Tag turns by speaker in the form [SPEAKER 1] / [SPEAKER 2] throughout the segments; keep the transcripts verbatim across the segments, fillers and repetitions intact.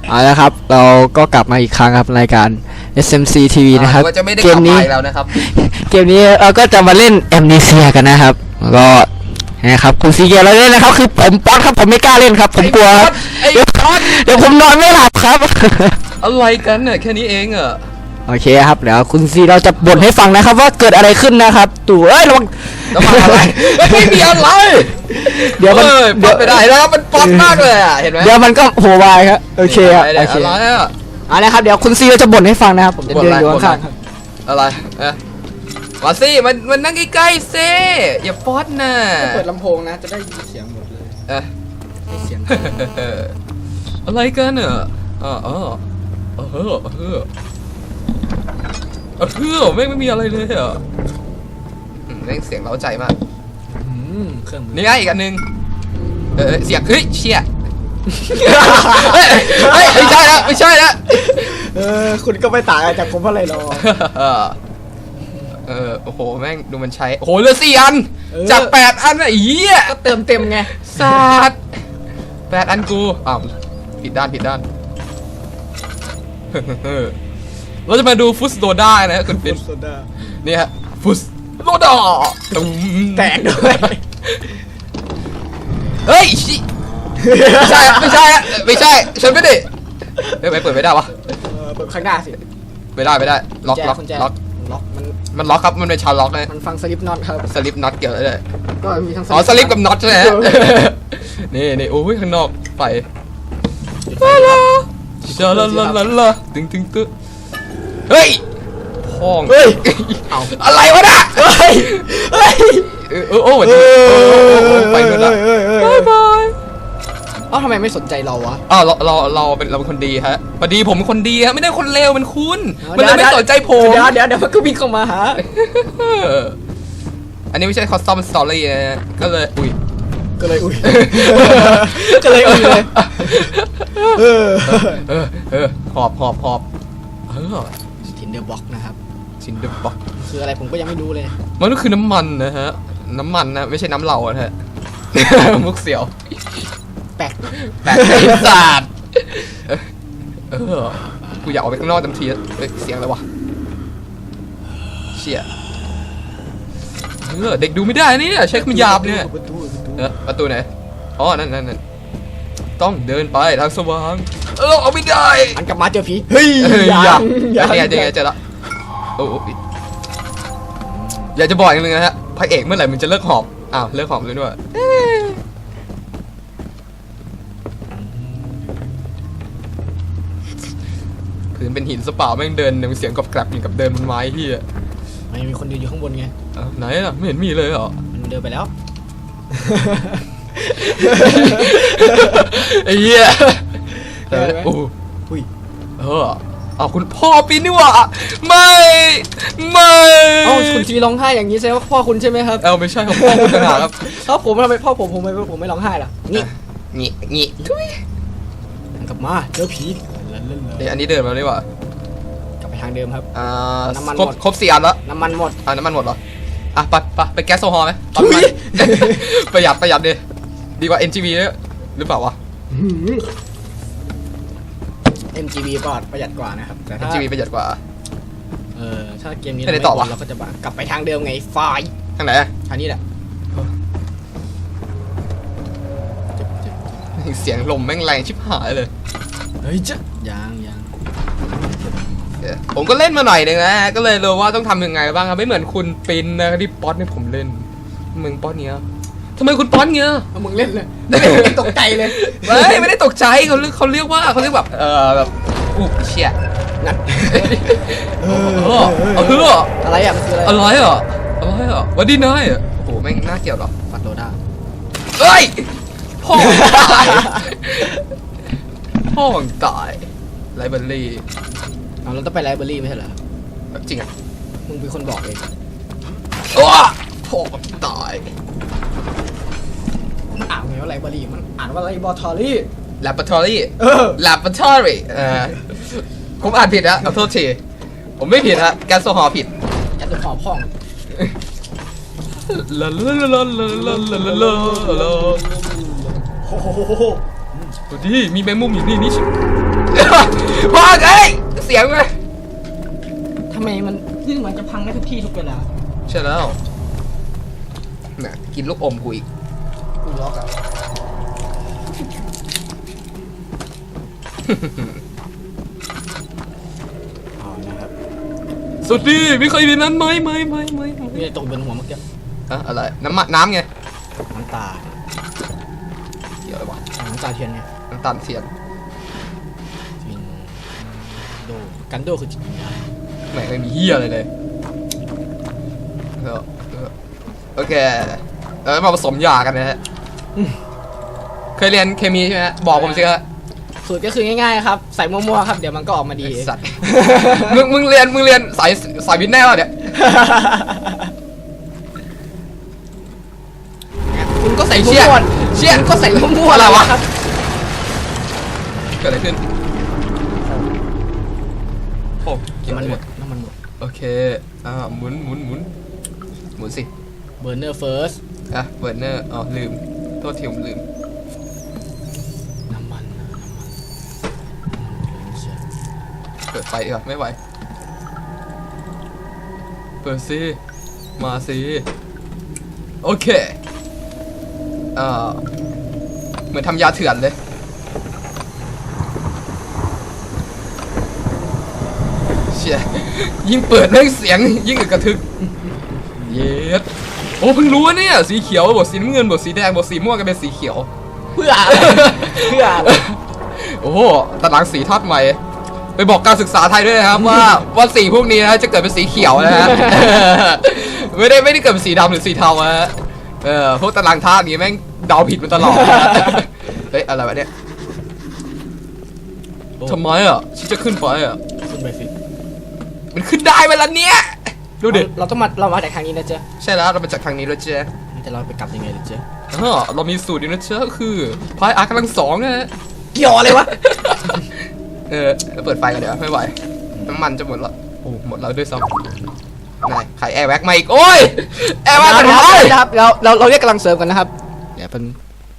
[SPEAKER 1] เอาละครับเราก็กลับมาอีกครั้งครับรายการ เอส เอ็ม ซี ที วี นะครับเกมนี้แล้วนะครับเกมนี้เราก็จะมาเล่นแอมเนเซียกันนะครับก็นะครับคุณซีเกียร์เราเล่นนะครับคือผมป๊อตครับผมไม่กล้าเล่นครับผมกลัวครับเดี๋ยวผมนอนไม่หลับครับ
[SPEAKER 2] อะไรกันเนี่ยแค่นี้เองเหรอ
[SPEAKER 1] โอเคครับเดี๋ยวคุณซีเราจะบ่นให้ฟังนะครับว่าเกิดอะไรขึ้นนะครับตู่เอ้ยระวัง
[SPEAKER 2] ระวังอะไรไม่มีอะไรเดี๋ยวมันเดี๋ยวไปได้แล้วมันป๊อตมากเลยอ่ะเห็นไหม
[SPEAKER 1] เดี๋ยวมันก็โหวายครับโอเคครับโอเค
[SPEAKER 2] อะไรอ่ะ
[SPEAKER 1] อะไรครับเดี๋ยวคุณซีเราจะบ่นให้ฟังนะครับผมจะเดินอยู่ข้าง
[SPEAKER 2] ๆอะไรเอ๊ะมาสิมันมันนั่งใกล้ๆสิอย่าป๊อตนะ
[SPEAKER 1] เปิดลำโพงนะจะได้ยินเสียงหมดเลย
[SPEAKER 2] เอ๊ะ
[SPEAKER 1] เสียง
[SPEAKER 2] อะไรกันเนอะอ๋อเออเออเออเออเออไม่ไม่มีอะไรเลยอ่ะเร่งเสียงเร้าใจมากนี่ไงอีกอันนึงเออเสียงเฮ้ยเชี่ยเฮ้ยไม่ใช่ละไม่ใช่ละ
[SPEAKER 1] เออคุณก็ไม่ต่างจากผมอะไรหรอ
[SPEAKER 2] เออโอ้โหแม่งดูมันใช้โอ้โหเหลือสี่อันจากแปดอันอ่ะอีอ่ะ
[SPEAKER 1] ก็เติมเต็มไง
[SPEAKER 2] ศาสตร์แปดอันกูอ้าวผิดด้านผิดด้านเราจะมาดูฟุสโดด้านะคุณฟินนี่ฮะฟุสโดด้า
[SPEAKER 1] แตกด้วย
[SPEAKER 2] เฮ้ยไม่ใช่ไม่ใช่ไม่ใช่ฉันไม่ได้เฮ้ยไปเปิดไม่ได้วะ
[SPEAKER 1] เปิดข้างหน้าสิ
[SPEAKER 2] ไม่ได้ไม่ได้ล็อกล็อกล็อก
[SPEAKER 1] ล็อกมัน
[SPEAKER 2] มันล็อกครับมันเป็นชาล็อกเลย
[SPEAKER 1] มันฟังสลิปน็อตครับ
[SPEAKER 2] สลิปน็อตเกี่ยวอะไร
[SPEAKER 1] ก็มีทั้ง
[SPEAKER 2] อ๋อสลิปกับน็อตใช่ไหมนี่นี่โอ้ยข้างนอกไปลาลาลาลาลาลาตึงตึงตึงเฮ้ยพอง
[SPEAKER 1] เฮ้ย
[SPEAKER 2] เอาอะไรวะน่ะเฮ้ยเฮ้ยเออโอ้โหไปกันละบายบาย
[SPEAKER 1] อ้าวทำไมไม่สนใจเราวะ
[SPEAKER 2] อ้าวเราเราเราเป็นเราเป็นคนดีฮะพอดีผมเป็นคนดีฮะไม่ได้คนเลวเป็นคุณมันเลยไม่สนใจผม
[SPEAKER 1] เดี๋ยวเดี๋ยวเดี๋ยวมันก็วิ่งเข้ามาหา
[SPEAKER 2] อันนี้ไม่ใช่คอสตอมสตอรี่นะก็เลยอุ้ย
[SPEAKER 1] ก็เลยอุ้ยก็เลยอุ้ยเลย
[SPEAKER 2] เออเออเออหอบหอบหอบเออ
[SPEAKER 1] ทินเดอร์บ็อกนะครับ
[SPEAKER 2] ทินเดอร์บ็อก
[SPEAKER 1] คืออะไรผมก็ยังไม่รู้เลย
[SPEAKER 2] มันก็คือน้ำมันนะฮะน้ำมันนะไม่ใช่น้ำเหลาฮะมุกเสียว
[SPEAKER 1] แปลก
[SPEAKER 2] แปลกไอ้ศาสตร์เออกูอยากออกไปข้างนอกทันทีเฮ้ยเสียงอะไรวะเชี่ยเออเด็กดูไม่ได้นี่เช็คมันหยาบเนี่ยเออประตูไหนอ๋อนั่นนั่นนั่นต้องเดินไปทางสว่างเออเอาไม่ได้
[SPEAKER 1] อันกลับมาเจอผี
[SPEAKER 2] เฮ้ยยังยังไงยังไงเจอละโอ้อยากจะบอกอย่างนึงนะฮะพระเอกเมื่อไหร่มันจะเลิกหอบอ้าวเลิกหอบเลยด้วยพื้นเป็นหินสเปล่าแม่งเดินเสียงกรอบแกรบอย่างกับเดินบนไม้ที่อ่ะ
[SPEAKER 1] ไม่มีคนเดินอยู่ข้างบนไง
[SPEAKER 2] ไหนล่ะไม่เห็นมีเลยเหรอ
[SPEAKER 1] มันเดินไปแล้ว
[SPEAKER 2] ไอ้เหี้ยโอ้ยเออเอาคุณพ่อปีนนี่วะไม่ไม่
[SPEAKER 1] เอ้าคุณทีร้องไห้อย่างนี้แสดงว่าพ่อคุณใช่ไหมครับ
[SPEAKER 2] เอ้าไม่ใช่ครับพ่อคุณต่างหากครับ
[SPEAKER 1] ถ้าผมทำไมพ่อผมผมไม่ผมไม่ร้องไห้ล่ะนี่
[SPEAKER 2] นี่นี่ทุย
[SPEAKER 1] กลับมาเจอผี
[SPEAKER 2] เดี๋ยวอันนี้เดินมาดีกว่
[SPEAKER 1] ากลับไปทางเดิมครับ
[SPEAKER 2] อ่าน้ำมันหมดครบสี่อันแล้ว
[SPEAKER 1] น้ำมันหมด
[SPEAKER 2] อ่าน้ำมันหมดเหรออ่ะไปไปไปแก๊สโซฮอล์ไหมประหยัดประหยัดดิดีกว่า เอ็น จี วี หรือเปล่าวะ
[SPEAKER 1] เอ็ม จี วี ปลอดประหยัดกว่านะครับ
[SPEAKER 2] แต่ เอ็ม จี วี ประหยัดกว่า
[SPEAKER 1] เออถ้าเกมนี้เราไม่ต่อเราก็จะกลับไปทางเดิมไงไฟ
[SPEAKER 2] ทางไหน
[SPEAKER 1] ทางนี้แหละ
[SPEAKER 2] เสียงลมแม่งแรงชิบหายเลย
[SPEAKER 1] เฮ้ยจ๊ะยังยัง
[SPEAKER 2] ผมก็เล่นมาหน่อยนึงนะก็เลยรู้ว่าต้องทำยังไงบ้างครับไม่เหมือนคุณปินนะที่ป๊อตเนี่ยผมเล่นมึงป๊อตเนี้ยทำไมคุณป๊อตเงี้ย
[SPEAKER 1] มึงเล่นเลยไม่ตกใจเลย
[SPEAKER 2] ไม่ไม่ได้ตกใจเขาเรียกเขาเรียกว่าเขาเรียกแบบเออแบบอุ๊บเชี่ยนั่นเออเออ
[SPEAKER 1] อะไรอ่ะมันคืออะไร
[SPEAKER 2] อะไรอ่ะอะไรอ่ะวันดีนายอ่ะโอ้โหแม่งน่าเกลียดหรอ
[SPEAKER 1] ฟันโดด้า
[SPEAKER 2] เฮ้ยพ่อตายพ่อตายไลบรารี
[SPEAKER 1] เอาเราต้องไปไลบรารีไม่ใช่เหรอ
[SPEAKER 2] จริงอ่ะ
[SPEAKER 1] มึงเป็นคนบอกเอง
[SPEAKER 2] โอ้พ่อตาย
[SPEAKER 1] มันอ่านไงว่าไลบรารีมันอ่านว่าไลบอทอรี่
[SPEAKER 2] แลบอทอรี่เออแลบอทอรี่เออผมอ่านผิดนะขอโทษทีผมไม่ผิดฮะแก๊สโซฮอล์ผิด
[SPEAKER 1] แก๊สโซฮอล์พ่อง
[SPEAKER 2] ลาลาลาลาลาลาลาลาลาโอ้โหดูดิมีแมงมุมอยู่นี่นี่ชิพ่อเอ้ยเสียงไง
[SPEAKER 1] ทำไมมันนี่เหมือนจะพังได้ทุกที่ทุกเวลา
[SPEAKER 2] ใช่แล้วน่ะกินลูกอมกูอีก
[SPEAKER 1] กูล็อกอะเอานะครับ
[SPEAKER 2] สุดดีไม่เคยมีนั้นไหมไหมไหมไหม
[SPEAKER 1] นี่ตกบนหัวเมื่อกี้
[SPEAKER 2] อะอะไรน้ำมันน้ำไง
[SPEAKER 1] น้ำตา
[SPEAKER 2] เกี่ยวอะไรวะ
[SPEAKER 1] น้ำตาเทียนไง
[SPEAKER 2] น้ำตาลเทียน
[SPEAKER 1] จินโดกันโดคือจิตวิญญาณ
[SPEAKER 2] ไม่ไม่มีเหี้ยอะไรเลยเออเออโอเคเออมาผสมยากันนะฮะเคยเรียนเคมีใช่ไหมบอกผมสิครับ
[SPEAKER 1] สูตรก็คือง่ายๆครับใส่มั่วๆครับเดี๋ยวมันก็ออกมาดี
[SPEAKER 2] ไอ้สัตว์ มึงมึงเรียนมึงเรียนสายสายวิทย์แน่วะเนี่ย
[SPEAKER 1] คุณก็ใส่
[SPEAKER 2] เชี่
[SPEAKER 1] มั่
[SPEAKER 2] ย
[SPEAKER 1] ว
[SPEAKER 2] เชี่ย
[SPEAKER 1] คุณก็ใส่มั่วๆ
[SPEAKER 2] อะไรวะ
[SPEAKER 1] ครับ
[SPEAKER 2] เกิดอะไรขึ้นโอ้
[SPEAKER 1] น้ำมันหมดน้ำมันหมด
[SPEAKER 2] โอเคอ่าหมุนหมุนหมุนหมุนสิ
[SPEAKER 1] เบอร์เนอร์เฟิร์ส
[SPEAKER 2] อ่ะเบิร์นเนอร์อ๋อลืมโทษทีผมลืม
[SPEAKER 1] น้ำมันนะน้ำมันเชื่อ
[SPEAKER 2] เปิดไฟดีกว่าไม่ไหวเปิดสิมาสิโอเคอ่าเหมือนทำยาเถื่อนเลยเชี่ยยิ่งเปิดเรื่องเสียงยิ่งอึกกระทึกเย็ดโอ้เพิ่งรู้ว่าเนี่ยสีเขียวบทสีน้ำเงินบทสีแดงบทสีม่วงกันเป็นสีเขียว
[SPEAKER 1] เพื่ออะไรเพื่ออะไร
[SPEAKER 2] โอ้โหตารางสีทอดใหม่ไปบอกการศึกษาไทยด้วยนะครับ ว่าว่าสีพวกนี้นะจะเกิดเป็นสีเขียวนะฮะ ไม่ได้ไม่ได้เกิดเป็นสีดำหรือสีเทานะฮะเออพวกตารางธาตุนี้แม่งเดาผิดมาตลอดนะ เฮ้ยอะไรวะเนี่ยทำไมอ่ะฉันจะขึ้นไปอ่ะ
[SPEAKER 1] ขึ้นไปสิ
[SPEAKER 2] มันขึ้นได้เวลาเนี้ยดูดิ
[SPEAKER 1] เราต้องมาเรามาจากทางนี้นะเจ๊
[SPEAKER 2] ใช่แล้วเรามาจากทางนี้แล้วเจ๊
[SPEAKER 1] แต่เราไปกลับยังไงล่ะเจ๊
[SPEAKER 2] อ๋อเรามีสูตรอยู่นะเจ๊ก็คือพายอาร์กำลังสองนะฮะ
[SPEAKER 1] เกี่ยวอะไรวะ
[SPEAKER 2] เออเปิดไฟกันเดี๋ยวไม่ไหวน้ำมันจะหมดแล้วโอ้หมดแล้วด้วยซ้ำนายขายแอร์แว็กมาอีกโอ้ยแอร์แว็กมัน
[SPEAKER 1] นะ
[SPEAKER 2] หาย
[SPEAKER 1] ครับเราเราเราเรียกกำลังเสริมกันนะครับเดี๋ยวเป็น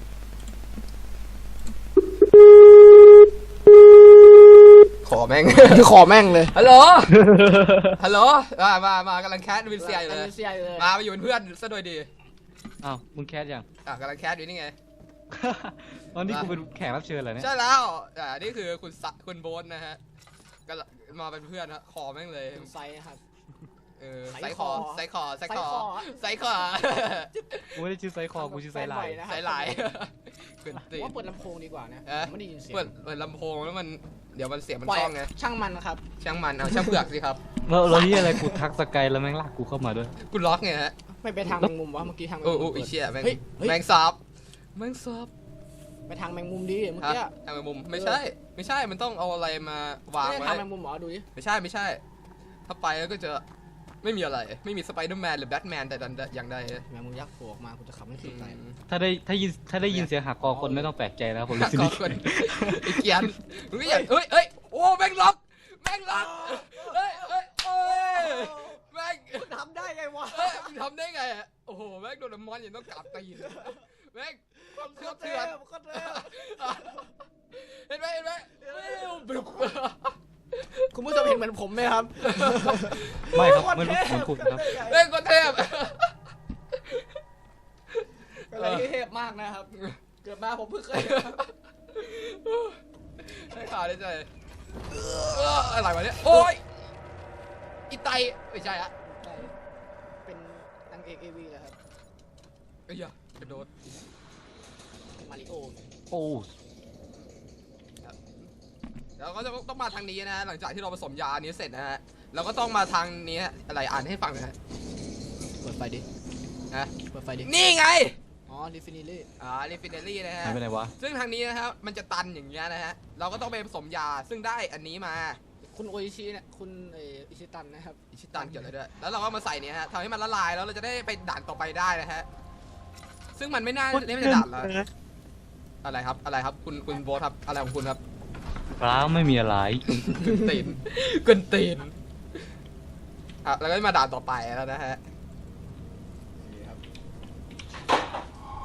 [SPEAKER 2] ขอแม่ง
[SPEAKER 1] คือขอแม่งเลย
[SPEAKER 2] ฮัลโหลฮัลโหลมามามากำลังแคสวินเซียอยู่เลย
[SPEAKER 1] เซียอยู่เลย
[SPEAKER 2] มามาอยู่เป็นเพื่อนซะโดยดี
[SPEAKER 3] อ้าวมึงแคสยัง
[SPEAKER 2] อ่ะกำลังแคสอยู่นี่ไง
[SPEAKER 3] ตอนนี้กูเป็นแขกรับเชิญเหรอเนี่ย
[SPEAKER 2] ใช่แล้วอ่านี่คือคุณสะคุณโบนนะฮะก็มาเป็นเพื่อนนะขอแม่งเลย
[SPEAKER 1] เป็นไซส์นะครับ
[SPEAKER 2] เออ
[SPEAKER 1] ไซ
[SPEAKER 2] ไซ
[SPEAKER 1] ส์
[SPEAKER 2] คอ
[SPEAKER 1] คอ
[SPEAKER 2] ไซคอไซคอ
[SPEAKER 1] ไซส์คอ
[SPEAKER 2] ไซคอ
[SPEAKER 3] กูไม่ได้ชื่อไซคอกูชื่อไซไลน์
[SPEAKER 2] ไซไลน์เกินตี
[SPEAKER 1] ว่าเปิดลำโพงดีกว่านะ
[SPEAKER 2] เอ๊ะ
[SPEAKER 1] ไม่ได้ยินเสียง
[SPEAKER 2] เปิดเปิดลำโพงแล้วมันเดี๋ยวมันเสียงมัน
[SPEAKER 1] ปล่อย
[SPEAKER 2] กล้องไง
[SPEAKER 1] ช่างมันนะครับ
[SPEAKER 2] ช่างมันเอาช่างเผือกสิครับ
[SPEAKER 3] แล้วแล้วที่อะไรกูทักสกายแล้วแม่งลากกูเข้ามาด้วย
[SPEAKER 2] กูล็อกไงฮะ
[SPEAKER 1] ไม่ไปทางแมงมุมวะเมื่อกี้ทางแมง
[SPEAKER 2] โอ้
[SPEAKER 1] มุม
[SPEAKER 2] โอ้
[SPEAKER 1] เปิ
[SPEAKER 2] อี
[SPEAKER 1] ด
[SPEAKER 2] เชี่ยแม่ง
[SPEAKER 1] เฮ้ยเฮ้ย
[SPEAKER 2] แม่งซับแม่งซับ
[SPEAKER 1] ไปทางแมงมุมดิเมื่อ
[SPEAKER 2] ฮะ
[SPEAKER 1] กี้
[SPEAKER 2] ทางมุมไม่ใช่ ไม่ใช่มันต้องเอาอะไรมาวาง
[SPEAKER 1] ไม่ได้
[SPEAKER 2] ไว้
[SPEAKER 1] ทางแมงมุมหมอดูดิ
[SPEAKER 2] ไม่ใช่ไม่ใช่ ถ้าไปแล้วก็จะไม่มีอะไรไม่มีสไปเดอร์แมนหรือแบทแมนแต่ดันอย่างใด
[SPEAKER 1] แมงมุมยักษ์โผล่ออกมากูจะขับไม่ถึงใจ
[SPEAKER 3] ถ้าได้ถ้ายินถ้าได้ยินเสียงหักคอคนไม่ต้องแปลกใจแล้วผมรู้สึก
[SPEAKER 2] ก็
[SPEAKER 3] ดี
[SPEAKER 2] คนไอ้เกียนมึงก็อย่าเอ้ยเอ้ยโอ้แม่งล็อกแม่งล็อกเอ้ยเอ้ยเอ้ยแม่ง
[SPEAKER 1] ทำได้ไงวะ
[SPEAKER 2] เอ้ยมึงทำได้ไงอะโอ้โหแม่งโดนน้ำมันยังต้องกลับตีนแม่งความเถื่อนเถื่อนเห็นไหมเห็นไหมบลุก
[SPEAKER 1] คุณผู้ชมเห็นเหมือนผมไหมครับ
[SPEAKER 3] ไม่ครับไม่รู้เหมือนคุณครับ
[SPEAKER 2] แม่งก็เทพ
[SPEAKER 1] อะไรที่เทพมากนะครับ เกิดมาผมเพิ่งเคย
[SPEAKER 2] ให้ข่าวได้ใจอะไรวะเนี่ยโอ้ยอีไตไม่ใช่อะ
[SPEAKER 1] เป็นนางเอกเอวีเลยครับ
[SPEAKER 2] เอ้ยอะกระโดด
[SPEAKER 1] มาริโอ
[SPEAKER 3] โอ้
[SPEAKER 2] แล้วก็จะต้องมาทางนี้นะฮะหลังจากที่เราผสมยาอันนี้เสร็จนะฮะเราก็ต้องมาทางนี้อะไรอ่านให้ฟังนะฮะ
[SPEAKER 1] เปิดไฟดิ
[SPEAKER 2] นะ
[SPEAKER 1] เปิดไฟดิ
[SPEAKER 2] นี่ไง
[SPEAKER 1] อ๋อดิฟินิลี่
[SPEAKER 2] อ่าลิฟินเนอรี่นะฮะ
[SPEAKER 3] หายไปไหนวะ
[SPEAKER 2] ซึ่งทางนี้นะครับมันจะตันอย่างเงี้ยนะฮะเราก็ต้องไปผสมยาซึ่งได้อันนี้มา
[SPEAKER 1] คุณโออิชิเนี่ยคุณเออิชิตันนะครับ
[SPEAKER 2] อิชิตันเกี่ยวอะไรด้วยแล้วเราก็มาใส่เนี่ยฮะทำให้มันละลายแล้วเราจะได้ไปด่านต่อไปได้นะฮะซึ่งมันไม่น่าไม่น่าจะด่านละอะไรครับอะไรครับคุณคุณโบทครับอะไรของคุณครับ
[SPEAKER 3] เปล่าไม่มีอะไร
[SPEAKER 2] กึนตีนกึนตีนอ่ะแล้วก็มาด่านต่อไปแล้วนะฮะ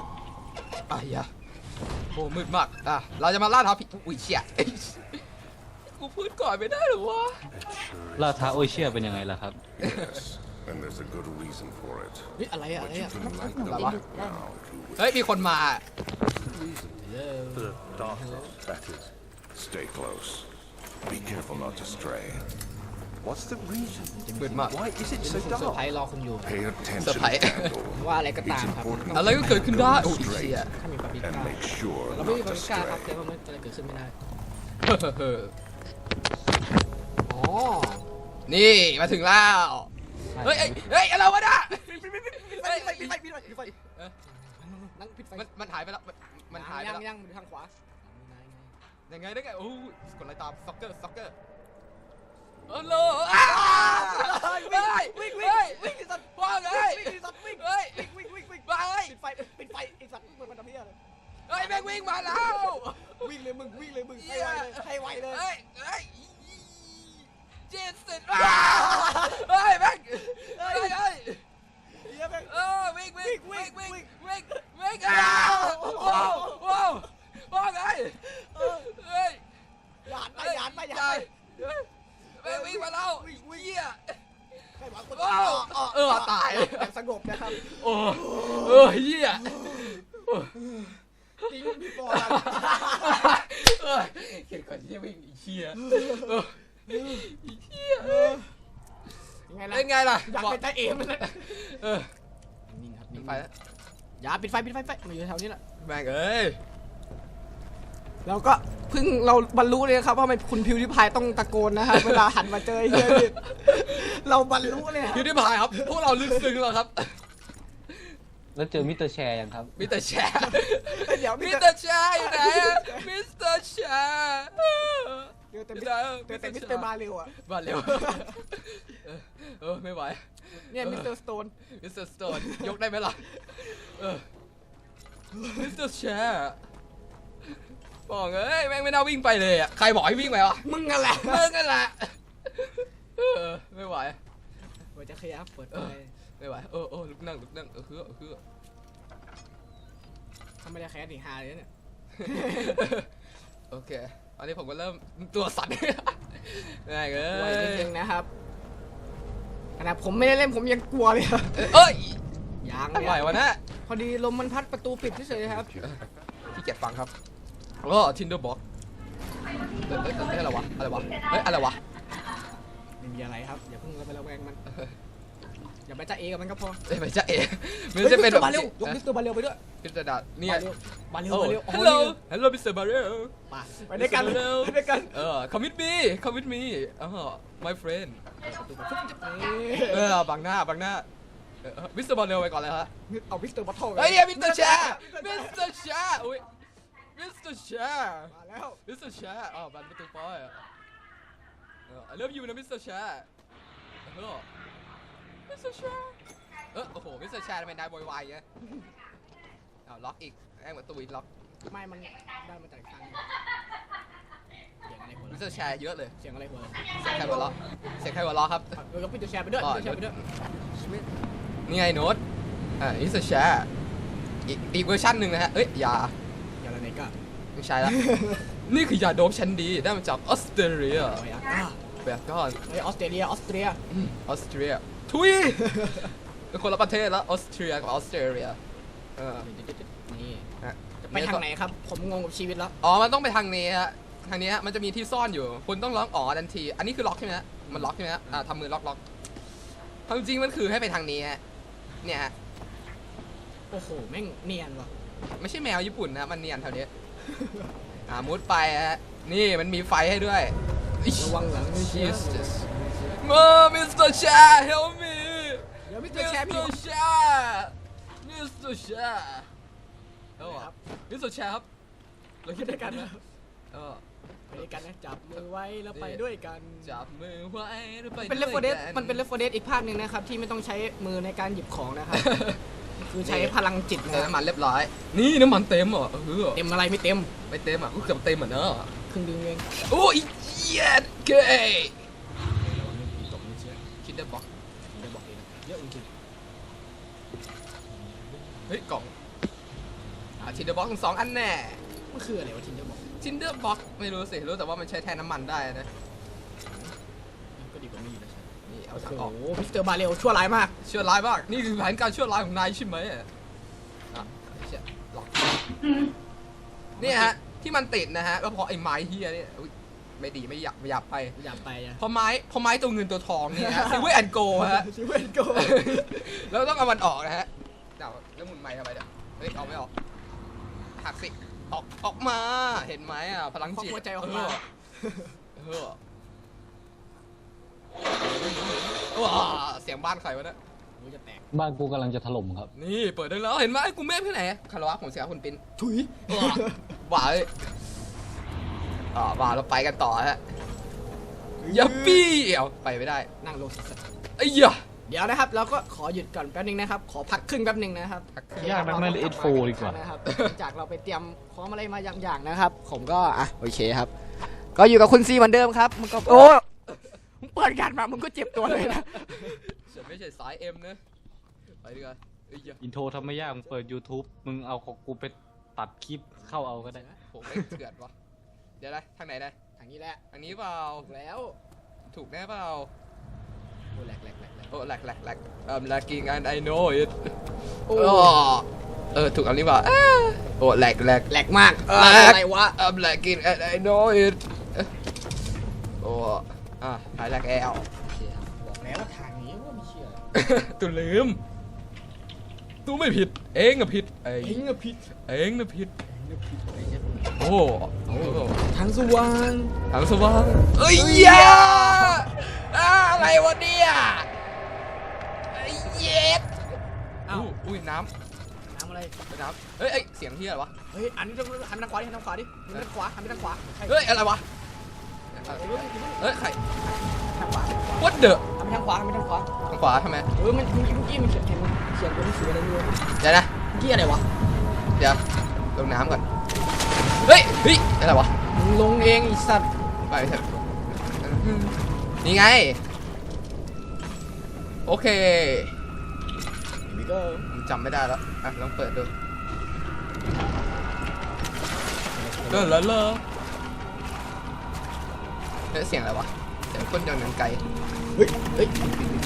[SPEAKER 2] อ่ะอย่าโอ้มืดมากอ่ะเราจะมาล่าท้าผีอุ้ยเชี่ยก่อนไม่ได้หรอวะ
[SPEAKER 3] ล่าท้าโอเชียเป็นยังไงล่ะครับ
[SPEAKER 4] Yes, and there's a good reason for it.
[SPEAKER 5] เฮ้ยอะไรอะอะไร
[SPEAKER 4] But you
[SPEAKER 5] อะ
[SPEAKER 4] can light them
[SPEAKER 2] อะไรวะ
[SPEAKER 4] now if you wish.
[SPEAKER 2] เฮ้ยมีคนมา
[SPEAKER 4] The darkness, that is. Stay close. Be careful not to stray.
[SPEAKER 6] What's the reason?
[SPEAKER 2] มืดมาก
[SPEAKER 6] Why is it
[SPEAKER 5] ผม
[SPEAKER 6] so
[SPEAKER 5] เซอร์ไพร
[SPEAKER 6] dark?
[SPEAKER 5] ส์รอคุณอยู่
[SPEAKER 4] Pay attention,
[SPEAKER 2] Surprise.
[SPEAKER 4] Candle.
[SPEAKER 5] ว่าอะไรก็ตาม
[SPEAKER 4] It's
[SPEAKER 5] ครับ
[SPEAKER 4] important
[SPEAKER 2] อะไรก็เกิดขึ้นได้โอ้ยเชี่ย
[SPEAKER 5] ถ้ามีปาปิก้า
[SPEAKER 4] and make sure
[SPEAKER 5] เราไม่มี
[SPEAKER 4] not
[SPEAKER 5] ปา
[SPEAKER 4] to
[SPEAKER 5] ปิก้าครับ
[SPEAKER 4] stray.
[SPEAKER 5] แต่ว่ามันจะเกิดขึ้นไม่ได้
[SPEAKER 2] เฮ้อ
[SPEAKER 5] อ๋อ
[SPEAKER 2] นี่มาถึงแล้ว เฮ้ยเฮ้ยเฮ้ยอะไรวะเนี่ย
[SPEAKER 5] ปิดไฟปิดไฟปิดไฟปิดไฟ
[SPEAKER 2] เออ
[SPEAKER 5] นั่งปิดไฟ
[SPEAKER 2] มันมันหายไปแล้ว มันมันหายไป
[SPEAKER 5] ยัง
[SPEAKER 2] แล้ว
[SPEAKER 5] ยังอยู่ทางขวา
[SPEAKER 2] ยังไงได้ไงโอ้ยกดไลค์ตามซ็อกเกอร์ซ็อกเกอร์เออโลอ้าวเฮ้ย
[SPEAKER 5] วิ่ง
[SPEAKER 2] เฮ้ย
[SPEAKER 5] วิ่งไอ้สัตว์
[SPEAKER 2] ว่าไง
[SPEAKER 5] วิ่งไอ้สัตว์วิ่ง
[SPEAKER 2] เฮ้ย
[SPEAKER 5] วิ่งวิ่งวิ่ง
[SPEAKER 2] ไป
[SPEAKER 5] ปิดไฟปิดไฟไอ้สัตว์เปิดมันทำเหี้ยเลย
[SPEAKER 2] เฮ้ยแม่งวิ่งมาแล้ว
[SPEAKER 5] วิ่งเลยมึงวิ่งเลยมึงให้ไวเลยให้ไวเลย
[SPEAKER 2] เฮ้ยเฮ้ยเจสันอ้าวเฮ้ยแม่งเฮ้ยเฮ้ย
[SPEAKER 5] เหี้ยแม่ง
[SPEAKER 2] เออวิ่งวิ่งวิ่งวิ่งวิ่งวิ่งอ้าวว้าวว้าวว่าไงเฮ้ย
[SPEAKER 5] หยาดไปหยาดไปหยาด
[SPEAKER 2] ใช่
[SPEAKER 5] ไป
[SPEAKER 2] แม่งวิ่งมาแล้วเหี้ย
[SPEAKER 5] ใครหวังคน
[SPEAKER 2] โอ้เออตาย
[SPEAKER 5] แบบสงบนะครับ
[SPEAKER 2] โอ้เออเหี้ย
[SPEAKER 5] จริงพี่ปอล
[SPEAKER 2] เออเห็นก่อนที่วิ่งเหี้ยเออเหี้ย
[SPEAKER 5] ยังไงล่ะ
[SPEAKER 2] เป็นไงล่ะ
[SPEAKER 5] อยากเป็นตาเอมเลย
[SPEAKER 2] เออ
[SPEAKER 5] นิ่งครับ
[SPEAKER 2] ปิดไฟแล้ว
[SPEAKER 5] อย่าปิดไฟปิดไฟไฟมาอยู่แถวนี้แหละ
[SPEAKER 2] แม่งเอ้ย
[SPEAKER 5] เราก็เพิ่งเราบรรลุเลยครับว่าทำไมคุณพิวริพายต้องตะโกนนะครับเวลาหันมาเจอไอ้เฮียนี่เราบรรลุเลยครับ
[SPEAKER 2] พิวดิพายครับ พวกเราลึกซึ้งแล้วครับ
[SPEAKER 3] แล้วเจอมิสเตอร์แชร์ยังครับ
[SPEAKER 2] มิสเตอร์แชร์
[SPEAKER 5] เดี๋ยว
[SPEAKER 2] มิ
[SPEAKER 5] มิ
[SPEAKER 2] ส
[SPEAKER 5] ส
[SPEAKER 2] เต
[SPEAKER 5] เต
[SPEAKER 2] อ
[SPEAKER 5] อร์
[SPEAKER 2] ร์แชร์อยู่ไหนอะมิสเตอร์แชร์
[SPEAKER 5] เจอแต่มิสเจอแต่มิสเตอร์มาเร็วอ่ะ
[SPEAKER 2] มาเร็วเออเออไม่ไหว
[SPEAKER 5] เนี่ยมิสเตอร์สโตน
[SPEAKER 2] มิสเตอร์สโตนยกได้ไหมล่ะเออมิสเตอร์แชร์บอกเอ้ยแม่งไม่น่าวิ่งไปเลยอ่ะใครบอกให้วิ่งไปวะ
[SPEAKER 5] มึงนั่นแหละ
[SPEAKER 2] มึงกันแหละเออไม่ไหว
[SPEAKER 5] เปิดจะขยับเปิดไฟ
[SPEAKER 2] ไม่ไหวเออเออลุกนั่งลุกนั่งเออคือเออคือ
[SPEAKER 5] ทำไม่ได้แค่ถึงฮาเลยเนี่ย
[SPEAKER 2] โอเคตอนนี้ผมก็เริ่มตัวสั่นง่ายเล
[SPEAKER 5] กลัวนิด
[SPEAKER 2] ย
[SPEAKER 5] นึงนะครับขนาดผมไม่ได้เล่นผมยังกลัวเลยครับ
[SPEAKER 2] เอ้ย
[SPEAKER 5] ยัง
[SPEAKER 2] อะไรวะนะ
[SPEAKER 5] พอดีลมมันพัดประตูปิดเฉยๆครับ
[SPEAKER 2] ขี้เกียจฟังครับก็ทินเดอร์บ็อกเอ้ยเอ้ยเอ้ยอะไรวะอะไรวะเฮ้ยอะไรวะ
[SPEAKER 5] ไม่มีอะไรครับอย่าเพิ่งเราไประแวงมันอย่าไปจ้าเอกับมันก็พอ
[SPEAKER 2] เอ้ยไม่ใช่เอ๋มันจะเป็นแบบ
[SPEAKER 5] บาเร็วยกมิสเตอร์บาเร็วไปด้วย
[SPEAKER 2] พิจารณาเนี่ย
[SPEAKER 5] บาเร็ว
[SPEAKER 2] โอ้
[SPEAKER 5] บาเร็ว
[SPEAKER 2] ฮัลโหลฮัลโหลมิสเตอร์บาร์เรล
[SPEAKER 5] ไปด้วยกันไปด้วยกัน
[SPEAKER 2] เออ come with me come with me อ๋อ my friend
[SPEAKER 5] นี่
[SPEAKER 2] เออบังหน้าบังหน้ามิสเตอร์บาร์เรลไปก่อนเลยฮะ
[SPEAKER 5] เอามิสเตอร์บัตเทิล
[SPEAKER 2] เฮ้ยเนี่ยมิสเตอร์แชร์มิสเตอร์แชร์อุ้ยมิสเตอร์แชร์
[SPEAKER 5] มาแล้ว
[SPEAKER 2] มิสเตอร์แชร์อ๋อบันประตูปอยอ่ะเออ I love you นะมิสเตอร์แชร์เออมิสเตอร์แชร์เออโอ้โหมิสเตอร์แชร์ทำไมนายโวยวายอย่างเงี้ยอ้าวล็อกอีกแม่งประตูอีกล็อก
[SPEAKER 5] ไม่มันได้มาจากทางเสียงอะไรหัว
[SPEAKER 2] มิสเตอร์แชร์เยอะเลย
[SPEAKER 5] เสียงอะไรหัว
[SPEAKER 2] เสียงใครหัวเราะเสียงใครหัวเราะครับ
[SPEAKER 5] เออก็ปิดตัวแชร์ไปด้วยปิดตัวแชร์ไปด้วย
[SPEAKER 2] นี่ไงโน้ตอ่ามิสเตอร์แชร์อีกอีกเวอร์ชันหนึ่งนะฮะเอ้ยยา
[SPEAKER 5] อย่างไรก็
[SPEAKER 2] ไม่ใช่ละ นี่คือยาโดบชั้นดีได้มาจากออสเตรเลีย
[SPEAKER 5] โอ้ยอ่ะ
[SPEAKER 2] แบบก้อน
[SPEAKER 5] เฮ้ยออสเตรเลียออสเตรีย
[SPEAKER 2] อืมออสเตรียทุยเป็นคนละประเทศแล้วออสเตรียกับออสเตรเลียเออ
[SPEAKER 5] นี่
[SPEAKER 2] ฮะ
[SPEAKER 5] ไปทางไหนครับ ผมงงกับชีวิตแล้ว
[SPEAKER 2] อ๋อมันต้องไปทางนี้ฮะทางนี้ฮะมันจะมีที่ซ่อนอยู่คุณต้องล็อกอ๋อทันที อันนี้คือล็อกใช่ไหมฮะมันล็อกใช่ไหมฮะอ่าทำมือล็อกล็อกความจริงมันคือให้ไปทางนี้ฮะเนี่ยฮะ
[SPEAKER 5] โอ้โหแม่งเนียนว่ะ
[SPEAKER 2] ไม่ใช่แมวญี่ปุ่นนะมันเนียนแถวนี้อ่ามุดไปฮะนี่มันมีไฟให้ด้วย
[SPEAKER 5] ระวังหลังไม่เชีย
[SPEAKER 2] Jesus มามิสเตอร์แชร์ help me
[SPEAKER 5] เดี๋ยวมิสเต
[SPEAKER 2] มิ
[SPEAKER 5] อร์
[SPEAKER 2] ส
[SPEAKER 5] แชร์
[SPEAKER 2] เต
[SPEAKER 5] พี่
[SPEAKER 2] อร์แชร์มิสเตอร์แชร์เออ
[SPEAKER 5] ครับ
[SPEAKER 2] มิสเตอร์แชร์ครับเรา
[SPEAKER 5] ไป
[SPEAKER 2] คิด
[SPEAKER 5] ด้
[SPEAKER 2] ด้
[SPEAKER 5] ว
[SPEAKER 2] วย ย
[SPEAKER 5] กั
[SPEAKER 2] กัน น
[SPEAKER 5] นะ
[SPEAKER 2] นะเออ
[SPEAKER 5] ไปด้วยกันนะจับมือไว้แล้วไปด้วยกัน
[SPEAKER 2] จับมือไว้แล้วไป
[SPEAKER 5] เป็นเลฟโฟเดส
[SPEAKER 2] ด้วยกั
[SPEAKER 5] มันเป็นเลฟโฟเดสอีกภาคหนึ่งนะครับที่ไม่ต้องใช้มือในการหยิบของนะครับ คือใช้พลังจิต
[SPEAKER 2] เติม
[SPEAKER 5] นะ
[SPEAKER 2] น้ำมันเรียบร้อย นี่น้ำมันเต็มเหรอเออ
[SPEAKER 5] เต็มอะไรไม่เต็ม
[SPEAKER 2] ไม่เต็มอ่ะกูเกือบเต็มอ่ะเนอะ
[SPEAKER 5] ครึ่งดึงเอง
[SPEAKER 2] โอ้ยเย็ดเกยคิดได้บอก
[SPEAKER 5] เดี๋ยวบอกเองเยอะจริง
[SPEAKER 2] เฮ้ยกล่องอ่ะทินเดอร์บ็อกสองอันแน่
[SPEAKER 5] ๆมันคืออะไรวะทินเดอร์บอก
[SPEAKER 2] ทินเดอร์บ็อกไม่รู้สิรู้แต่ว่ามันใช้แทนน้ำมันได้นะ
[SPEAKER 5] ก็ดีกว่ามีนะ
[SPEAKER 2] นี่เอา
[SPEAKER 5] โอ้
[SPEAKER 2] ถัง
[SPEAKER 5] โห
[SPEAKER 2] ออก
[SPEAKER 5] มิสเตอร์บาเรลชั่วร้ายมาก
[SPEAKER 2] ชั่วร้ายมากนี่คือแผนการชั่วร้ายของนายใช่ไหมอ่ะอ่ะเชี่ยหลอกนี่ฮะที่มันติดนะฮะก็เพราะไอ้ไม้เฮียเนี่ยอุ๊ยไม่ดีไม่อยากไม่อยากไป
[SPEAKER 5] อย่าไปนะ
[SPEAKER 2] เพราะไม้เพราะไม้ตัวเงินตัวทองเนี่ยฮะซิเวอร์แอนโกฮะ
[SPEAKER 5] ซิเวนโก
[SPEAKER 2] แล้วต้องเอามันออกนะฮะเดี๋ยวแล้วหมุนไม้ทำไมเนี่ยเฮ้ยออกไม่ออกหักสิออกออกมาเห็นไหมอ่ะพลังจิต
[SPEAKER 5] หัวใจออกมา
[SPEAKER 2] เออเออว้าเสียงบ้านใครวะเนี่ย
[SPEAKER 5] กูจะแตก
[SPEAKER 3] บ้านกูกำลังจะถล่มครับ
[SPEAKER 2] นี่เปิดได้แล้วเห็นไหมกูเมฟที่ไหนคารวะผมเสียคุณปิน
[SPEAKER 5] ถุย
[SPEAKER 2] ว้าเอ้ยอ่าว้าเราไปกันต่อฮะยัปปี้เอาไปไม่ได้
[SPEAKER 5] นั่งลงสัก
[SPEAKER 2] ไอ้เหี้ย
[SPEAKER 5] เดี๋ยวนะครับเราก็ขอหยุดก่อนแป๊บนึงนะครับ ขอพักครึ่งแป๊บนึงนะครับ
[SPEAKER 3] ยากนักนั่นเอสโฟดีกว่า
[SPEAKER 5] นะครับหลังจากเราไปเตรียมพร้อมอะไรมาอย่างๆนะครับ ผมก็อ่ะโอเคครับ ก็อยู่กับคุณซีเหมือนเดิมครับมึงก็โอ้มึงเปิดกันมามึงก็เจ็บตัวเลยนะ
[SPEAKER 2] ฉันไม่ใช่สายเอ็มนะไปดีกว่าไอ้เหี้ย
[SPEAKER 3] อินโทรทำไม่ยากมึงเปิด YouTube มึงเอาของกูไปตัดคลิปเข้าเอาก็ได้
[SPEAKER 2] ผมไม่เถื่อนวะเดี๋ยวนะทางไหนได้
[SPEAKER 5] ทางนี้แหละ
[SPEAKER 2] ทางนี้เปล่า
[SPEAKER 5] ถูกแล้ว
[SPEAKER 2] ถูกแน่เปล่า
[SPEAKER 5] โอ้แหลกแหลกแหลกแหลก
[SPEAKER 2] โอ้แหลกแหลกแหลก I'm lagging and I know it
[SPEAKER 5] โอ้
[SPEAKER 2] โอ้เออถูกอันนี้เปล่าอ้าโอ้แหลกแหลก
[SPEAKER 5] แหลกมาก
[SPEAKER 2] เออ
[SPEAKER 5] อะไรวะ
[SPEAKER 2] I'm lagging and I know it โอ้อ่ะหายแหลกแอล
[SPEAKER 5] โอเคครับบอกแล้วว่าทางนี้ว่าไม่เชื่อ
[SPEAKER 2] ตูลืมตูไม่ผิด เองอะผิดเอ
[SPEAKER 5] เฮ้ย
[SPEAKER 2] ง
[SPEAKER 5] เงาพิษ
[SPEAKER 2] เองนะผิด
[SPEAKER 5] เงาพิษอะไรเนี่ย
[SPEAKER 2] โอ้โอ้
[SPEAKER 5] ทางสว่าง
[SPEAKER 2] ทางสว่างเอ้ยเหี้ยอ่าอะไรวะเนี่ยไอ้เย็ด
[SPEAKER 5] อ้าว
[SPEAKER 2] อู้อุ้ยน้
[SPEAKER 5] น้ำอะไร
[SPEAKER 2] ำน้ำเฮ้ยเอ้ยเสียงที่อะไรวะ
[SPEAKER 5] เฮ้ยอันนี้ต้องหันไปทางขวาดิหันทางขวาดิหันไปทางขวาหันไปทางขวาใช่
[SPEAKER 2] เฮ้ยอะไรวะ
[SPEAKER 5] เฮ้ย
[SPEAKER 2] เฮ้ยใคร
[SPEAKER 5] ทางขวา
[SPEAKER 2] what the
[SPEAKER 5] หันไปทางขวาหันไปทางขวา
[SPEAKER 2] ทางขวาทำไม
[SPEAKER 5] เออมันเมื่อกี้มันเขียนเห็นเขียนตัวหนังสืออะไรไม่รู้
[SPEAKER 2] เดี๋ยวนะ
[SPEAKER 5] เมื่อกี้อะไรวะ
[SPEAKER 2] เดี๋ยวลงน้ำก่อนเฮ้ยเฮ้ยอะไรวะ
[SPEAKER 5] มึงลงเองไอีสัตว์
[SPEAKER 2] ไปเถอะนี่ไงโอเค
[SPEAKER 5] นี่ก็
[SPEAKER 2] ผมจำไม่ได้แล้วอ่ะลองเปิดดูเลิศเลิศเลิศเฮ้ยเสียงอะไรวะเสียงคนเดินไกล
[SPEAKER 5] เฮ้ยเฮ้ย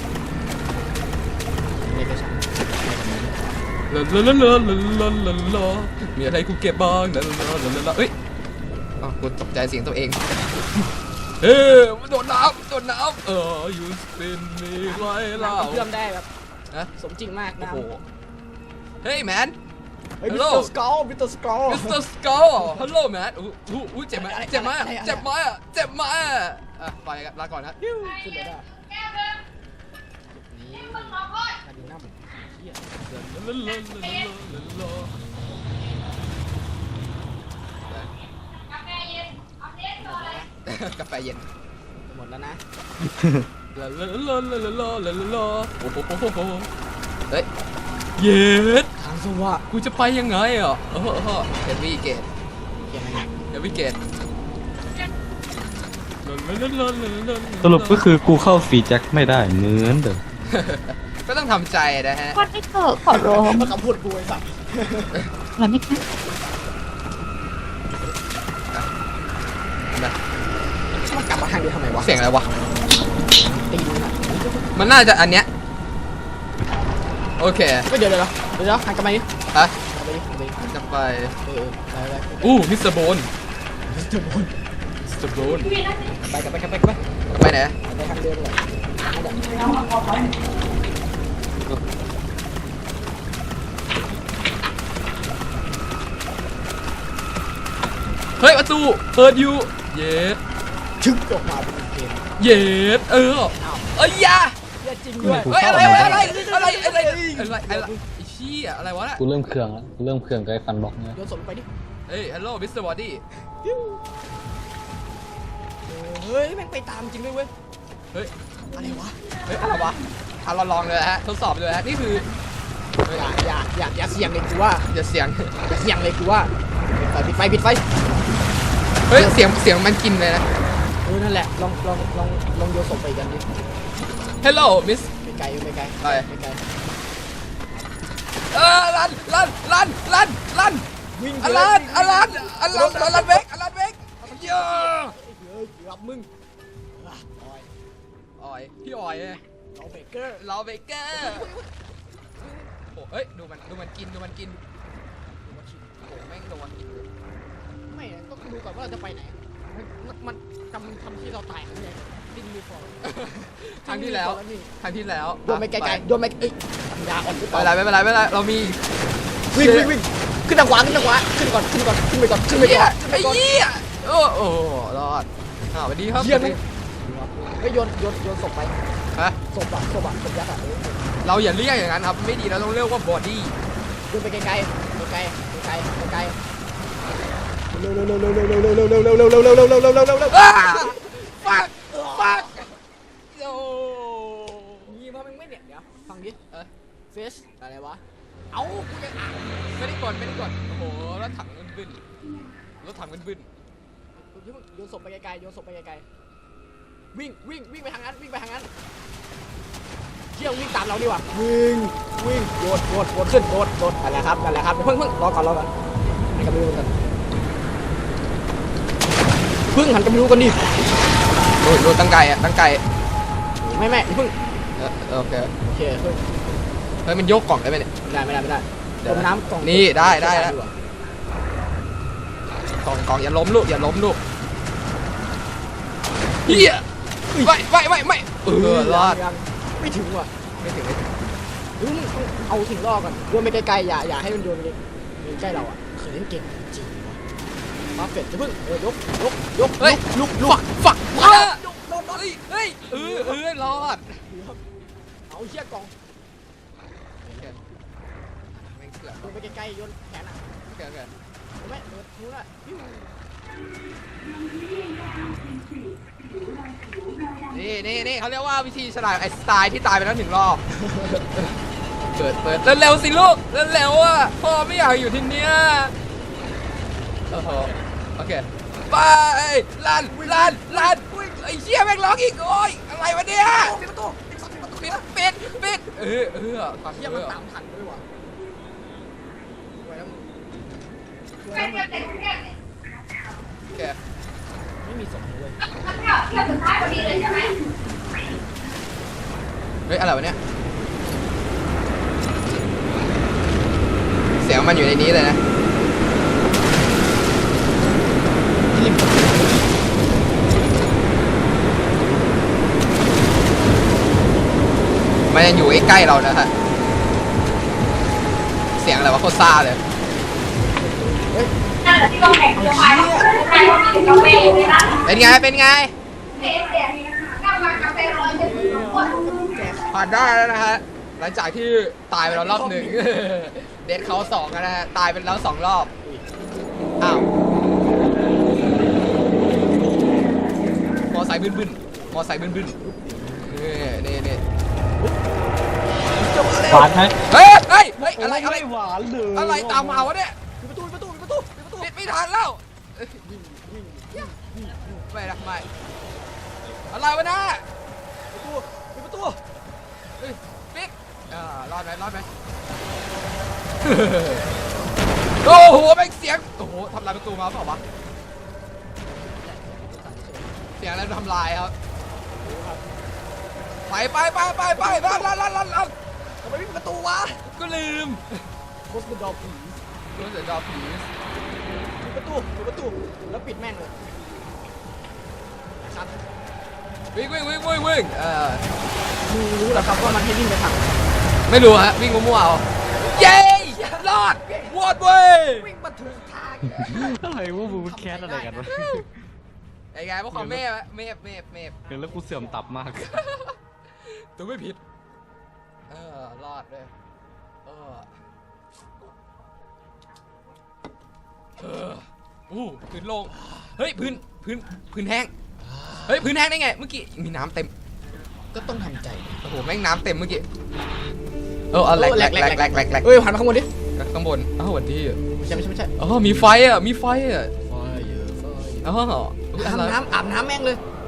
[SPEAKER 5] นี่ก็ใช่
[SPEAKER 2] ลาลาลาลาลาลาลาลามีอะไรกูเก็บบ้างลาลาลาลาลาเอ้ยอ้าวกูตกใจเสียงตัวเองเฮ้ยโดดน้ำโดดน้ำเออ you spin me ไว้เล่า
[SPEAKER 5] เชื่อมได้แบบ
[SPEAKER 2] นะ
[SPEAKER 5] สมจริงมาก
[SPEAKER 2] โอ้
[SPEAKER 5] นะ
[SPEAKER 2] โหเฮ้ยแมน
[SPEAKER 5] เฮ้ยมิส
[SPEAKER 2] Hello
[SPEAKER 5] เตอร์สกอลมิสเตอร์สกอล
[SPEAKER 2] มิสเตอร์สกอลฮัลโหลแมนอู้อู้อู้เจ็บไหมเจ็บไหมอะเจ็บไหมอะเจ็บไหมอะอ่ะไปกันลาก่อนนะ
[SPEAKER 5] ขึ้นเลยได้นี่มาดูหน้าผมเฮีย
[SPEAKER 2] ลาลาลาลาลาลากาแฟเย็น
[SPEAKER 5] หมดแล้วนะ
[SPEAKER 2] ลาลาลาลาลาลาลาลาลาโอ้โหโอ้โหเฮ้ยเย็ด
[SPEAKER 5] ทางสว่าง
[SPEAKER 2] กูจะไปยังไงอ่ะเออเออเฮฟวี่เกต
[SPEAKER 5] เขียนอะไรเนี่ย
[SPEAKER 2] เฮฟวี่เกต
[SPEAKER 3] สรุปก็คือกูเข้าฟรีแจ็คไม่ได้เหมือนเดิม
[SPEAKER 2] ก็ต้องทำใจนะฮะ
[SPEAKER 7] วันไม่เถอะขอร้อง
[SPEAKER 5] มันคำพูดกูไอ้สัตว์
[SPEAKER 7] วันไม่ค่ะ
[SPEAKER 2] นะ
[SPEAKER 5] มันกลับมาทางเดียวทำไมวะ
[SPEAKER 2] เสียงอะไรวะ
[SPEAKER 5] ตีนมันอะ
[SPEAKER 2] มันน่าจะอันเนี้ยโอเค
[SPEAKER 5] เฮ้ยเดี๋ยวเดี๋ยวเดี๋ยวเดี๋ยวหันกลับมาดิ
[SPEAKER 2] ฮะ
[SPEAKER 5] กลับไปดิกลับไปดิ
[SPEAKER 2] จะไป
[SPEAKER 5] เออไปไป
[SPEAKER 2] อู้มิสเตอร์โบน
[SPEAKER 5] มิสเตอร์บอล
[SPEAKER 2] มิสเตอร์โบน
[SPEAKER 5] ไปกลับไปกลับไปกลับไป
[SPEAKER 2] ไปไหน
[SPEAKER 5] ไปทางเดิมเลยทางเดิม
[SPEAKER 2] เฮ้ยประตูเปิดอยู่เย็ด
[SPEAKER 5] ชึกออกมาเป็นเกม
[SPEAKER 2] เย็ดเออเอ้ยยา
[SPEAKER 5] เหี้ยจริงด้วย
[SPEAKER 2] เฮ้ยอะไรอะไรอะไรอะไรอะไรอะไรไอ้เชี่ยอะไรวะน่ะ
[SPEAKER 3] กูเริ่มเครื่องแล้วกูเริ่มเครื่องกับไอ้ฟันบล็อกเนี่ย
[SPEAKER 5] โยนศพลงไปดิ
[SPEAKER 2] เฮ้ยฮัลโหลมิสเตอร์บอดี้
[SPEAKER 5] เฮ้ยแม่งไปตามจริงด้วยเว้ย
[SPEAKER 2] เฮ้ย
[SPEAKER 5] อะไรวะ
[SPEAKER 2] เฮ้ยอะไรวะอ่ะเราลองเลยฮะทดสอบเลยฮะนี่คือ
[SPEAKER 5] อย่าอย่าอย่าอย่าเสี่ยงเลยกูว่า
[SPEAKER 2] อย่าเสียง
[SPEAKER 5] อย่าเสี่ยงเลยกูว่าปิดไฟปิดไฟปิดไฟ
[SPEAKER 2] เฮ้ยเสียงเสียงมันกินเลยนะ
[SPEAKER 5] เออนั่นแหละลองลองลองลองโยนศพไปกันดิ
[SPEAKER 2] ฮัลโหลมิส
[SPEAKER 5] ไม่ไกลไม่ไกล
[SPEAKER 2] ไป
[SPEAKER 5] ไม่ไกล
[SPEAKER 2] เออลันลันลันลันลัน
[SPEAKER 5] วิ่ง
[SPEAKER 2] อลันอลันอลันอลันเบกอลันเบกเยอะ
[SPEAKER 5] เฮ้ยเกือบมึงออย
[SPEAKER 2] ออยพี่ออยไง
[SPEAKER 5] เราเบเกอร์
[SPEAKER 2] เราเบเกอร์โอ้เอ้ยดูมันดูมันกินดูมันกินโอ้แม่งโดน
[SPEAKER 5] ไม่ต้องดูก่อนว่าเราจะไปไหนมันมันกำลังทำที่เราตายกันเนี่ยดิ้นมีฟอร์
[SPEAKER 2] ครั้งที่แล้วครั้งที่แล้ว
[SPEAKER 5] โยนไปไกลๆโยนไปเอ้ยปัญญาอ่อนหรือเป
[SPEAKER 2] ไม่
[SPEAKER 5] ล่า
[SPEAKER 2] เป็นไรไม่เป็นไรไม่เป็นไรเรามี
[SPEAKER 5] วิ่งวิ่งวิ่งขึ้นทางขวาขึ้นทางขวาขึ้นก่อนขึ้นก่อนขึ้นไปก่อนขึ้นไป
[SPEAKER 2] เหี้
[SPEAKER 5] ก่
[SPEAKER 2] ย
[SPEAKER 5] อน
[SPEAKER 2] ไอ้เหี้ยโอ้โอ้รอดอ้าวสวัสดีครับ
[SPEAKER 5] เยี่ยม
[SPEAKER 2] สวัสดี
[SPEAKER 5] ไม่โยนโยนโยนศพไป
[SPEAKER 2] ฮะ
[SPEAKER 5] ศพอะศพอะศพยักษ์อะเออ
[SPEAKER 2] เราอย่าเรียกอย่างนั้นครับไม่ดีเราต้องเรียกว่าบอดี้
[SPEAKER 5] โยนไปไกลๆไกลๆไกลๆไกลๆไกลๆเร็วเร็วเร็วเร็วเร็วเร็วเร็วเร็วเร็วเร็วเร็วเร็วเร็วเร็วเร็วเร็วเร็วเร็วเร็ว
[SPEAKER 2] อ้าฟักฟักโอ้
[SPEAKER 5] ยี่มามึงไม่เนี่ยเดี๋ยวฟังดิเออเฟสอะไรวะเอ้ากูยังอ่าน
[SPEAKER 2] ไม่ได้กดไม่ได้กดโอ้โหรถถังมันบึ้นรถถังมันบึ้น
[SPEAKER 5] โยนศพไปไกลๆโยนศพไปไกลๆวิ่งวิ่งวิ่งไปทางนั้นวิ่งไปทางนั้นเชี่ยววิ่งตามเราดีกว่าวิ่งวิ่งโดดโดดโดดขึ้นโดดโดดนั่นแหละครับนั่นแหละครับเพิ่งเพิ่งรอก่อนรอก่อนให้กันไปดูกันเพิ่งหันกันไปดูกันดิ
[SPEAKER 2] โอ้ยโดนตั้งไก่อะตั้งไก่
[SPEAKER 5] ไม่ไม่เพิ่ง
[SPEAKER 2] เออโอเค
[SPEAKER 5] โอเคเพิ่ง
[SPEAKER 2] เฮ้ยมันยกกล่องได้ไหมเนี่ย
[SPEAKER 5] ไม่ได้ไม่ได้ไม่ได้
[SPEAKER 2] เดี๋ยว
[SPEAKER 5] ต้มน้ำกล่อง
[SPEAKER 2] นี่ได้ได้แล้ว กล่องกล่องอย่าล้มลูกอย่าล้มลูกเฮียไม่ไม่ไม่ไม่เออรอด
[SPEAKER 5] ยังไม่ถึงว่ะ
[SPEAKER 2] ไม่ถึงไม่ถึง
[SPEAKER 5] เพิ่งเอาถึงรอก่อนโยนไปไกลๆอย่าอย่าให้มันโยนไปใกล้เราอ่ะเคยเล่นเก่งจริงวะมาเฟดจะเพิ่งเออยกยกยก
[SPEAKER 2] เฮ้ย
[SPEAKER 5] ลุกลุก
[SPEAKER 2] ฝักฝักว้าเฮ้ยเฮ้ยเออเออรอด
[SPEAKER 5] เอาเชี่ยกล่อง
[SPEAKER 2] แม่งเสือก
[SPEAKER 5] โยนไปไกลๆโยนแขนอ่ะ
[SPEAKER 2] โอเคโอเค
[SPEAKER 5] เห็นไหมเออนู้นอ่ะปิ้ว
[SPEAKER 2] นี่นี่นี่เขาเรียกว่าวิธีฉลาดไอ้สไตล์ที่ตายไปแล้วหนึ่งรอบเปิดเปิดเร็วๆสิลูกเร็วๆอ่ะพ่อไม่อยากอยู่ที่เนี้ยโอ้โหโอเคไปลันลันลันไอ้เชี่ยแม่งร้องอีกโอ้ยอะไรวะเนี่ย
[SPEAKER 5] ปิดประตูปิดประตู
[SPEAKER 2] ปิดปิดปิดเออเออความ
[SPEAKER 5] เชี่
[SPEAKER 2] เชี่
[SPEAKER 5] ย
[SPEAKER 2] ย
[SPEAKER 5] มั
[SPEAKER 2] มัน น
[SPEAKER 5] ตา
[SPEAKER 2] ตาม ม
[SPEAKER 5] ทันด้วยว่ะสวยแล้วมึงสวยแล้วมึง
[SPEAKER 2] โอเค
[SPEAKER 5] ไม่มีศพเลย
[SPEAKER 2] เฮ้ยอะไรวะเนี่ยเสียงมันอยู่ในนี้เลยนะมันยังอยู่ใกล้ๆเรานะฮะเสียงอะไรวะโคตรซ่าเลยเป็นไงเป็นไงผ่านได้แล้วนะฮะหลังจากที่ตายไปแล้วรอบหนึ่ง เดทเขาสองนะฮะตายไปแล้วสองรอบอ้าวมอไซค์บึ้นบึ้นมอไซค์บึ้นบึ้นนี่นี่นี่
[SPEAKER 3] หวานไหม
[SPEAKER 2] เฮ้ยเฮ้ยเฮ้ยอะไรอะไร
[SPEAKER 3] หวานเลย
[SPEAKER 2] อะไรตามมาวะเนี่ย
[SPEAKER 5] ปิดประตูปิดประตูปิดประตูปิดประตู
[SPEAKER 2] ปิดไม่ทันแล้วไม่นะไม่อะไรวะนะ
[SPEAKER 5] ปิดประตู
[SPEAKER 2] เฮ้ยปิดอ่ารอดไหมรอดไหม โอ้โหแม่งเสียงโอ้โหทำลายประตูมาเปล่าวะเสียงอะไรทำลายครับไปไปไปไปไปลันลันลันลันลัน
[SPEAKER 5] ทำไมไม่ปิดประตูวะ
[SPEAKER 2] ก็ลืม
[SPEAKER 5] โคสต์ดอผี
[SPEAKER 2] รู้สึกดอผี
[SPEAKER 5] ปิดประตูปิดประตูแล้วปิดแม่งเลยครับ
[SPEAKER 2] วิ่งวิ่งวิ่งวิ่งวิ่งเออ
[SPEAKER 5] มึงรู้เหรอครับว่ามันให้วิ่งไปทาง
[SPEAKER 2] ไม่รู้ฮะวิ่งมั่วๆเอาเย้รอดวอดเว้ย
[SPEAKER 5] วิ่งมาถูกทาง
[SPEAKER 3] อะไรวะมึงแคสอะไรกันวะ
[SPEAKER 2] ไอ้ไงพวกเขาเมฟเมฟเมฟเมฟ
[SPEAKER 3] เห็นแล้วกูเสื่อมตับมาก
[SPEAKER 2] ตัวไม่ผิดเออรอดเลยเออเอออู้พื้นโล่งเฮ้ยพื้นพื้นพื้นแห้งเฮ้ยพื้นแห้งได้ไงเมื่อกี้มีน้ำเต็ม
[SPEAKER 5] ก็ต้องทำใจ
[SPEAKER 2] โอ้โหแม่งน้ำเต็มเมื่อกี้เออเอาแหลกแหลกแหลกแหลกแหลกแหลก
[SPEAKER 5] เอ้ยหันมาข้างบนดิ
[SPEAKER 2] ข้างบนอ้าวสวัสดี
[SPEAKER 5] ไม่ใช่ไม่ใช่ไม่ใช่
[SPEAKER 2] อ๋อมีไฟอ่ะมีไฟอ่ะ
[SPEAKER 5] ไฟเยอะไฟ
[SPEAKER 2] อ๋ออุ๊ยอะไร
[SPEAKER 5] อาบน้ำอาบน้ำแม่งเลย